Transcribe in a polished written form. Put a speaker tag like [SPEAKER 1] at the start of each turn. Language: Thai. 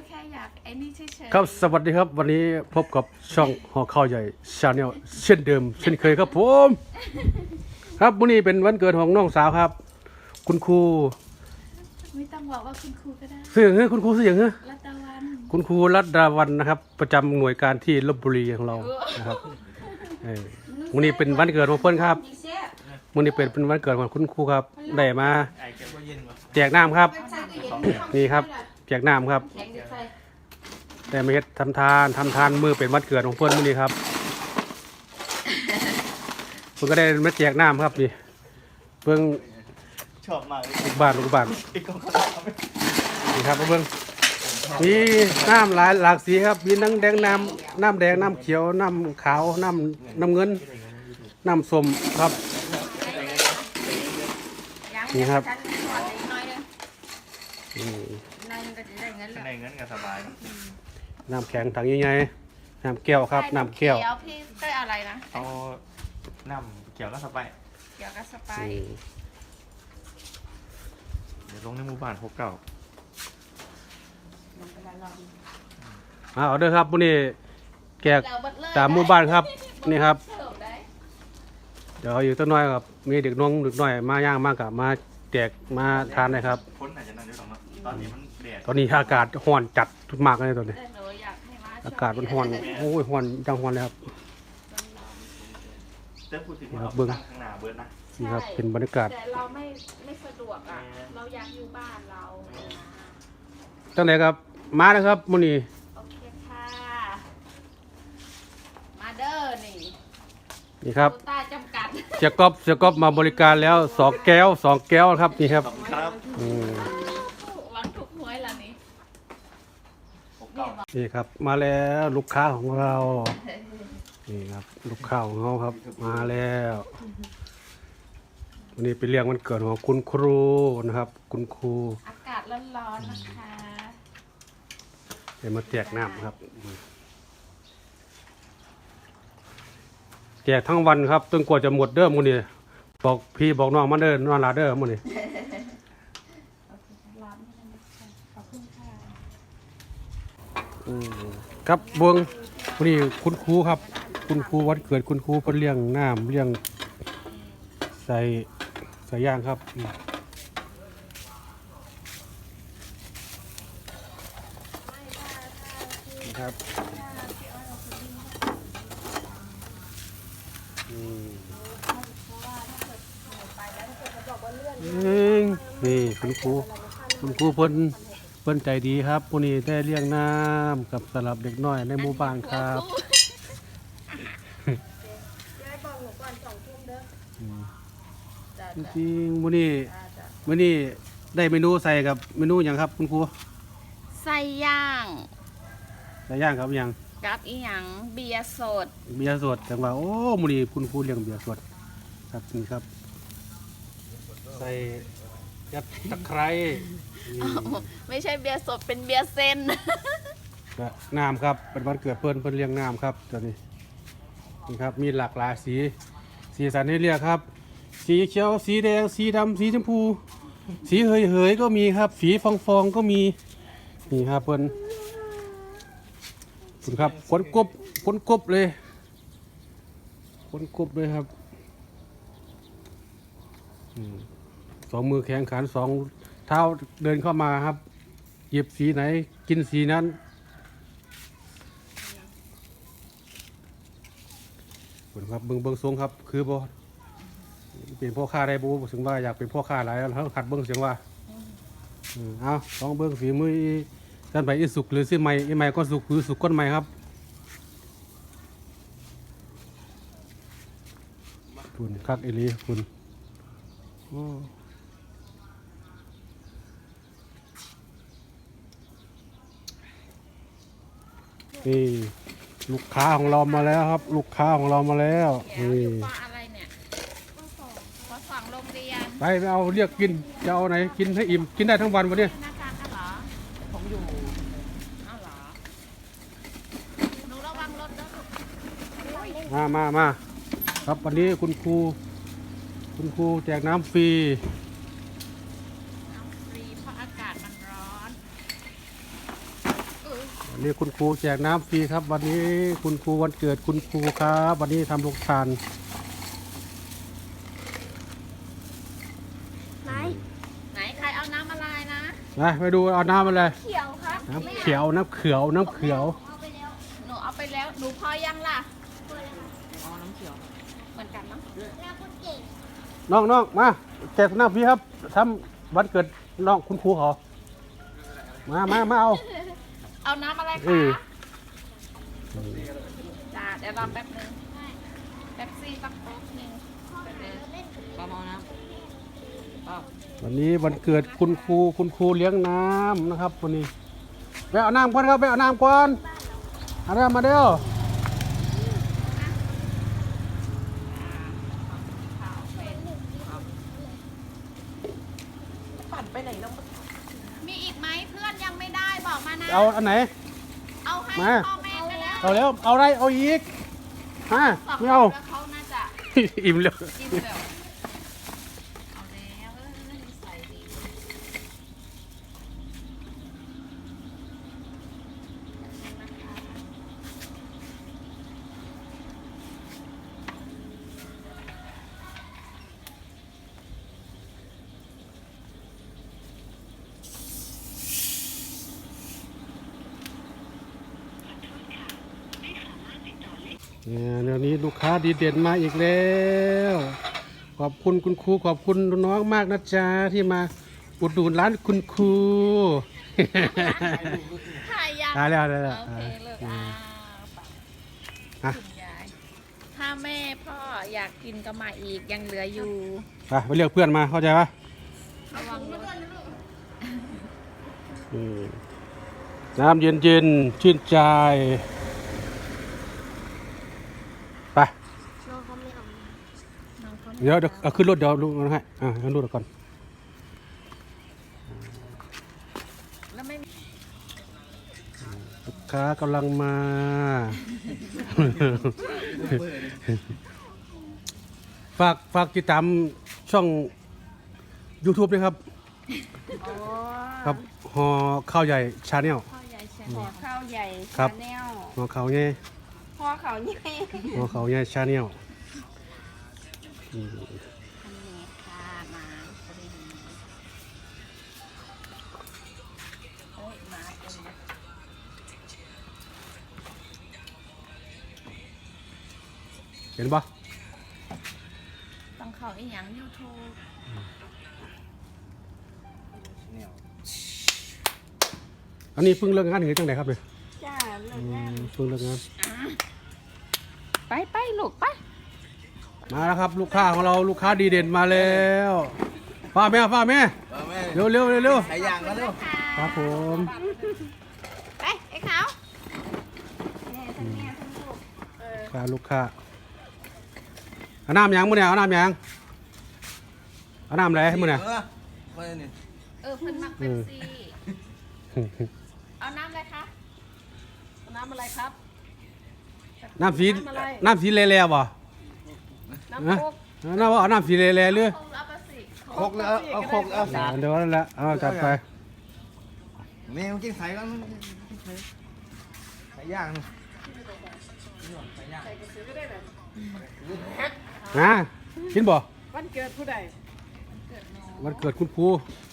[SPEAKER 1] แค่อยากไอ้นี่เฉยๆ
[SPEAKER 2] ครับสวัสดีครับวันนี้พบกับช่องหอข้าวใหญ่ชาแนลเช่นเดิมเช่นเคยครับผมครับวันนี้เป็นวันเกิดของน้องสาวครับ คุณครู
[SPEAKER 1] ไม่ต้องบอกว่าคุณครูก็ได้
[SPEAKER 2] เสียงเฮ้ยคุณครูเสียงเฮ้ย
[SPEAKER 1] รัตวัน
[SPEAKER 2] คุณครูรัตดาวันนะครับ ประจำหน่วยการที่ลพบุรีของเรานะครับวันนี้เป็นวันเกิดของเพื่อนครับวันนี้เป็นวันเกิดของคุณครูครับได้มาแจกน้ำครับนี่ครับแจกน้ำครับแต่ไม่เฮ็ดทำทานมือเป็นวันเกิดของเพื่อนมื้อนี้ครับเพิ่นก็ได้มาแจกน้ำครับนี่เพิ่ง
[SPEAKER 3] ชอบมากเลย
[SPEAKER 2] ลูกบ้าน
[SPEAKER 3] อีกคน
[SPEAKER 2] นี่ครับเพิ่งมีน้ำหลากสีครับมีน้ำแดงน้ำแดงน้ำเขียวน้ำขาวน้ำเงินน้ำส้มครับนี่ครับ
[SPEAKER 3] ในเงินกันสบาย
[SPEAKER 2] น้ำแข็งถังใหญ่ๆน้ำแก้วครับน้ำแก้ว
[SPEAKER 1] พี่ได้อะไรนะ
[SPEAKER 3] เอาน้ำเกี่ยวกับสบาย
[SPEAKER 1] เกี่ยวกับสไป
[SPEAKER 3] เดี๋ยวลงในหมู่บ้านพบเก่า
[SPEAKER 2] เอาเด้อครับวันนี้แจกตามหมู่บ้านครับนี่ครับเดี๋ยวอยู่ต้นน้อยครับมีเด็กน้อยมาย่างมากกับมาแจกมาทานนะครับ
[SPEAKER 3] พ้นอาจจะนั่นด้วยหรอกมั้งตอนนี้มันแดด
[SPEAKER 2] ตอนนี้อากาศร้อนจัดมากเลยตอนนี้
[SPEAKER 1] แต่หนูอยากให้มา
[SPEAKER 2] อากาศมันร้อนโอ้ยร้อนจังร้อนเลยครับ
[SPEAKER 3] แต่พูดถึงว่า
[SPEAKER 2] ครับ
[SPEAKER 3] เอา
[SPEAKER 2] เบิ่ง
[SPEAKER 3] ตั้งข้างหน้าเบิร์ดนะ
[SPEAKER 2] นี่ครับเป็นบรรยากาศ
[SPEAKER 1] แต่เราไม่สะดวกอ่ะเราอยากอยู่บ้านเรา
[SPEAKER 2] จังไหนครับมานะครับมื้อนี้
[SPEAKER 1] โอเคค่ะมาเด้อนี่
[SPEAKER 2] นี่ครับ
[SPEAKER 1] โควต้าจำกัด
[SPEAKER 2] เสียก๊อบมาบริการแล้ว2 แก้วครับนี่ครับ
[SPEAKER 3] ขอบคุณครับ
[SPEAKER 2] อืม
[SPEAKER 1] หวังถูกหวยละนี่
[SPEAKER 3] พบเก่า
[SPEAKER 2] นี่ครับมาแล้วลูกค้าของเรานี่ครับลูกค้าของเราครับมาแล้ววันนี้เป็นเรื่องวันเกิดของคุณครูนะครับ คุณครู
[SPEAKER 1] อากาศร้อนๆนะคะ
[SPEAKER 2] เดี๋ยวมาแจกน้ำครับแจกทั้งวันครับจนกว่าจะหมดเด้อมื้อนี้บอกพี่บอกน้องมาเด้อนอนหลาเด้อมื้อนี้
[SPEAKER 1] ร้อนไม่ได้นะคะขอบคุณค่ะ
[SPEAKER 2] ครับเบิ่งวันนี้คุณครูครับ คุณครูวันเกิดคุณครูเพิ่นเลี้ยงน้ำเลี้ยงใส่ย่างครับครับนี่คุณครูเพิ่นใจดีครับวันนี้ได้เลี้ยงน้ำกับสำหรับเด็กน้อยในหมู่บ้านครับจริงๆวันนี้ได้เมนูใส่กับเมนูอย่างครับคุณครู
[SPEAKER 1] ไส้ย่าง
[SPEAKER 2] ใส่ย่างครับอย่าง
[SPEAKER 1] กับอีหยังเบียร์สด
[SPEAKER 2] เบียร์สดจังว่าโอ้มื้อนี้คุณครูเลี้ยงเบียร์สดครับนี่ครับ ใส่ยัดตะไคร้นี่
[SPEAKER 1] ไม่ใช่เบียร์สดเป็นเบียร์เส้น
[SPEAKER 2] ก็น้ำครับเป็นวันเกิดเพิ่นเลี้ยงน้ำครับตัวนี้นี่ครับมีหลากหลายสีสันให้เลือกครับ สีเขียวสีแดงสีดำสีชมพู สีเหยก็มีครับ สีฟองก็มีนี่ครับเพิ่นคุณครับคนกบเลยครับสองมือแข็งขัน2 เท้าเดินเข้ามาครับหยิบสีไหนกินสีนั้นคุณครับเบิ่งทรงครับคือบ่เป็นพ่อค้าได้บูถึงว่าอยากเป็นพ่อค้าหลายแล้วขัดเบิ่งเสียงว่าเอาลองเบิ่งฝีมือท่านไปอีสุกหรือซื้อใหม่อีใหม่ก็สุกหรือสุกก้นใหม่ครับคุณคักเอลีคุณนี่ลูกค้าของเรามาแล้วครับ ลูกค้าของเรามาแล้วนี่
[SPEAKER 1] ปลาอะไรเนี่ยปลาสั่งโรงเรียน
[SPEAKER 2] ไปเอาเรียกกินจะเอาไหนกินให้อิ่มกินได้ทั้งวันวันนี้
[SPEAKER 1] หน้าตากันเหรอผมอยู่อ้าวเหรอหนูระวังรถนะลูก
[SPEAKER 2] มาครับวันนี้คุณครูแจกน้ำฟรี
[SPEAKER 1] น้ำฟรีเพราะอากาศมันร้อน
[SPEAKER 2] วันนี้คุณครูแจกน้ำฟรีครับ วันนี้คุณครูวันเกิดคุณครูครับ วันนี้ทำโรงทาน
[SPEAKER 1] ไหนใครเอาน้ำอะไรนะ
[SPEAKER 2] ไปดูเอาน้ำอะไร
[SPEAKER 1] เขียวครับ
[SPEAKER 2] น้ำเขียวน้ำเขียวน้ำเขียว
[SPEAKER 1] หนูเอาไปแล้วหนูพอยังล่ะอ๋อน้ำเขียวเหมือนกันเนาะ
[SPEAKER 2] น้องมาแจกน้ำฟรีครับทำวันเกิดน้องคุณครูเขามาเอา
[SPEAKER 1] เอาน้ำอะไร
[SPEAKER 2] เอ
[SPEAKER 1] คะ
[SPEAKER 2] อ
[SPEAKER 1] จ้าเดี๋ยวรอแป๊บนึงแป๊บซี่สักแป๊บนึงประมาณน้ำ
[SPEAKER 2] วันนี้วันเกิดคุณครูเลี้ยงน้ำนะครับวันนี้ไปเอาน้ำก่อนครับไปเอาน้ำก่อนเอาน้ำมาเด้อ
[SPEAKER 1] มีอีกไหมเพื่อนยังไม่ได้บอกมานะ
[SPEAKER 2] เอาอันไหน
[SPEAKER 1] เอาให้
[SPEAKER 2] มา
[SPEAKER 1] พ่อแม่ไปแล้ว
[SPEAKER 2] เอาแล้วเอาอะไรเอาอีกฮะ
[SPEAKER 1] สอง
[SPEAKER 2] ไม่เอา
[SPEAKER 1] แล้วเขาน่าจะ
[SPEAKER 2] อิ่มแล้ว
[SPEAKER 1] กินแบบเอาแล้วใส่ดี
[SPEAKER 2] เนี่ยเดี๋ยวนี้ลูกค้าดีเด่นมาอีกแล้วขอบคุณคุณครูขอบคุณน้องมากนะจ๊ะที่มาอุดหนุนร้านคุณครู
[SPEAKER 1] ถ่ายยัง
[SPEAKER 2] ได้แล้ว
[SPEAKER 1] โอเคเลิกไป
[SPEAKER 2] อ่ะ
[SPEAKER 1] คุณยายถ้าแม่พ่ออยากกินก็มาอีกยังเหลืออยู่
[SPEAKER 2] ไปเรียกเพื่อนมาเข้าใจปะ
[SPEAKER 1] ระวังรถ
[SPEAKER 2] อืมน้ำเย็นๆชื่นใจไป
[SPEAKER 1] น้องเขา
[SPEAKER 2] เดี๋ยวเอาขึ้นรถเดี๋ยวลุงเอาให้ขึ้นรถก่อน
[SPEAKER 1] แล้วไม่มี
[SPEAKER 2] ลูกค้ากำลังมา ฝากติดตามช่อง YouTube ด้วยครับ ครับหอข้าวใหญ่ชาแนล
[SPEAKER 1] ข้าวใหญ่แชนแนลข้าวใหญ่
[SPEAKER 2] ครับ
[SPEAKER 1] ชาแนล
[SPEAKER 2] หอข้าวใหญ่
[SPEAKER 1] พ่อเขาใหญ่
[SPEAKER 2] หอข้าวใหญ่ชาแนล
[SPEAKER 1] อันนี้ค่ะมาพอดีเอ้ยมาเต็มเลย
[SPEAKER 2] เห็นปะ
[SPEAKER 1] ต้องเข้าอีหยังยูทูบ
[SPEAKER 2] อันนี้เพิ่งเลิกงานหรือจังไดครับเนี่ย
[SPEAKER 1] จ้าเลิกงาน
[SPEAKER 2] เพิ่งเลิกงาน
[SPEAKER 1] ไปลูกไป
[SPEAKER 2] มาแล้วครับ ลูกค้าของเราลูกค้าดีเด่นมาแล้วฟ้าแม่เร็ว
[SPEAKER 3] ใส่ยางมาเร็ว
[SPEAKER 2] ครับผม
[SPEAKER 1] ไปไอ้ขาวแม่ทั้งลูก
[SPEAKER 2] ลูกค้าเอาน้ำยังมื้อเนี่ยเอาน้ำยังเอาน้ำอะไรมื้อเนี่ย
[SPEAKER 3] มาเนี่ย
[SPEAKER 1] เพิ่นมักเป็นซี่เอาน้ำอะไรคะน้ำอะไรครับ
[SPEAKER 2] น้ำสีแล่ๆบ่
[SPEAKER 1] น้ำโคก
[SPEAKER 2] น้ำว่าเอาน้ำสีแล่ๆหรือ
[SPEAKER 1] คงเอาไปสิ
[SPEAKER 3] โคกแล้วเอาโคกแล้ว
[SPEAKER 2] เดี๋ยวนั่นแหละเอาจัดไป
[SPEAKER 3] แม่กินไข่กันไข่ย่าง
[SPEAKER 2] กินบ่
[SPEAKER 4] วันเกิดผู้ใด
[SPEAKER 2] วันเกิดคุณครู